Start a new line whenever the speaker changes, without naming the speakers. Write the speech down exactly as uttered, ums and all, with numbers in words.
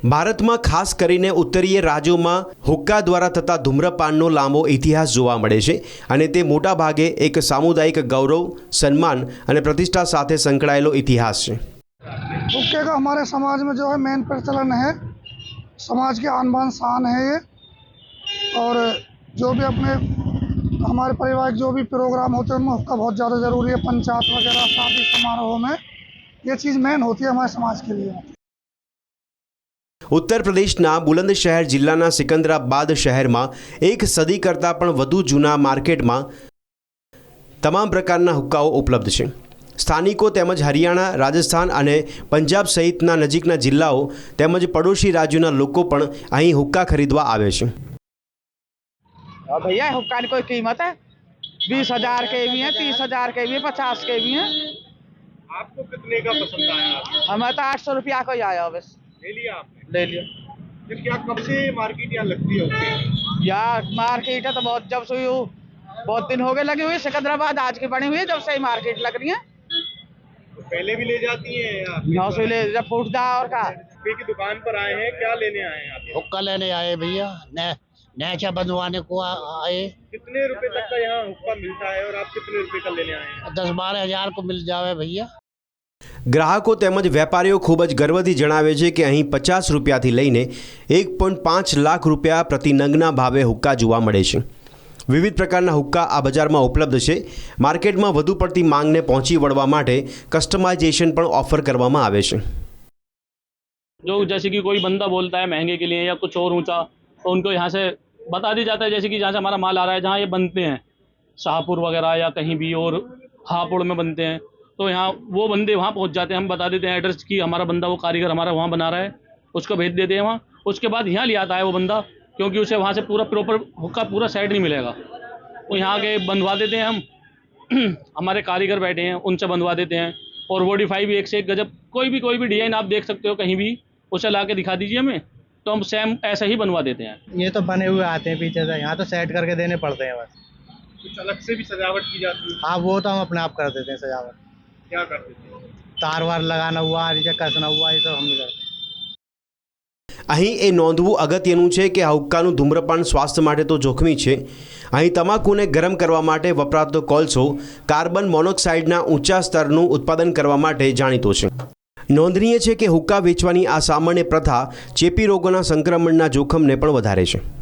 भारत में खास करीने उत्तरीय राज्यों में हुक्का द्वारा थता धूम्रपानનો લાંબો ઇતિહાસ જોવા મળે છે અને તે મોટા ભાગે એક સામુદાયિક ગૌરव, सम्मान અને प्रतिष्ठा સાથે સંકળાયેલો ઇતિહાસ છે।
हुक्के का हमारे समाज में जो है मेन प्रचलन है, समाज की आन बान शान है ये। और जो भी अपने हमारे परिवार जो भी प्रोग्राम होते हैं उनमें हुक्का बहुत ज़्यादा ज़रूरी है। पंचायत वगैरह शादी समारोह में ये चीज़ मेन होती है हमारे समाज के लिए।
उत्तर प्रदेशना बुलंदशहर जिल्लाना सिकंदराबाद शहर में एक सदी करता पण वधु जूना मार्केट में तमाम प्रकारना हुक्काओ उपलब्ध है। स्थानिको तेमज हरियाणा, राजस्थान और पंजाब सहितना नजीकना जिल्लाओं तेमज पड़ोशी राज्योना लोको पण अहीं हुक्का खरीदवा आवे छे।
भैया हुक्का की कोई कीमत है? बीस हजार के भी है, तीस हजार के भी है, पचास के भी है।
आपको कितने का पसंद आया?
हमें तो आठ सौ रुपया को ही आया बस।
ले लिया आपने?
ले लिया।
फिर क्या कब से मार्केट यहाँ लगती है?
यार मार्केट है तो बहुत जब से यू बहुत दिन हो गए लगी हुई। सिकंदराबाद आज की बनी हुई है, जब से ही मार्केट लग रही है।
तो पहले भी ले जाती है या
नौ सौ ले जब फूटदा और का
हुक्के की दुकान पर आए हैं, क्या लेने आए हैं आप?
हुक्का लेने आए भैया, नैचा बंधवाने को आए।
कितने रुपए तक का यहाँ हुक्का मिलता है और आप कितने रुपए का लेने आए हैं?
दस बारह हजार को मिल जावे भैया।
ग्राहकों तेमज वेपारीओ खूब ज गर्वथी जणावे छे कि अहीं पचास रुपयाथी लईने एक पॉइंट पांच लाख रुपया प्रति नंगना भावे हुक्का जोवा मळे छे। विविध प्रकारना हुक्का आ बजारमां उपलब्ध छे। मार्केटमां वधु पड़ती मांगने पहोंची वळवा माटे कस्टमाइजेशन पण ऑफर करवामां आवे छे।
जो जैसे कि कोई बंदा बोलता है महंगे के लिए या कुछ और ऊंचा, तो उनको यहाँ से बता दिया जाता है जैसे कि जहाँ से हमारा माल आ रहा है, जहाँ ये बनते हैं शाहपुर वगैरह या कहीं भी और हापुड़ में बनते हैं, तो यहाँ वो बंदे वहाँ पहुँच जाते हैं। हम बता देते हैं एड्रेस की हमारा बंदा, वो कारीगर हमारा वहाँ बना रहा है, उसको भेज देते हैं वहाँ। उसके बाद यहाँ ले आता है वो बंदा, क्योंकि उसे वहाँ से पूरा प्रॉपर हुक्का पूरा सेट नहीं मिलेगा। वो यहाँ के बनवा देते हैं हम हमारे कारीगर बैठे हैं, उनसे बनवा देते हैं। और वोडिफाई भी एक से एक गजब, कोई भी कोई भी डिजाइन आप देख सकते हो कहीं भी, उसे ला के दिखा दीजिए हमें, तो हम सेम ऐसा ही बनवा देते हैं।
ये तो बने हुए आते हैं पीछे से, यहाँ तो सेट करके देने पड़ते हैं बस।
कुछ अलग से भी सजावट की जाती है?
हाँ, वो तो हम अपने आप कर देते हैं सजावट।
क्या कर देते हैं?
तार वार लगाना हुआ, नीचे कसना हुआ, ये सब हम नहीं करते।
અહીં એ નોંધવું અગત્યનું છે કે આ હુક્કાનું ધૂમ્રપાન સ્વાસ્થ્ય માટે તો જોખમી છે। અહીં તમાકુને ગરમ કરવા માટે વપરાતો કોલસો કાર્બન મોનોક્સાઇડના ઊંચા સ્તરનું ઉત્પાદન કરવા માટે જાણીતો છે। નોંધનીય છે કે હુક્કા વેચવાની આ સામાન્ય પ્રથા ચેપી રોગોના સંક્રમણના જોખમને પણ વધારે છે।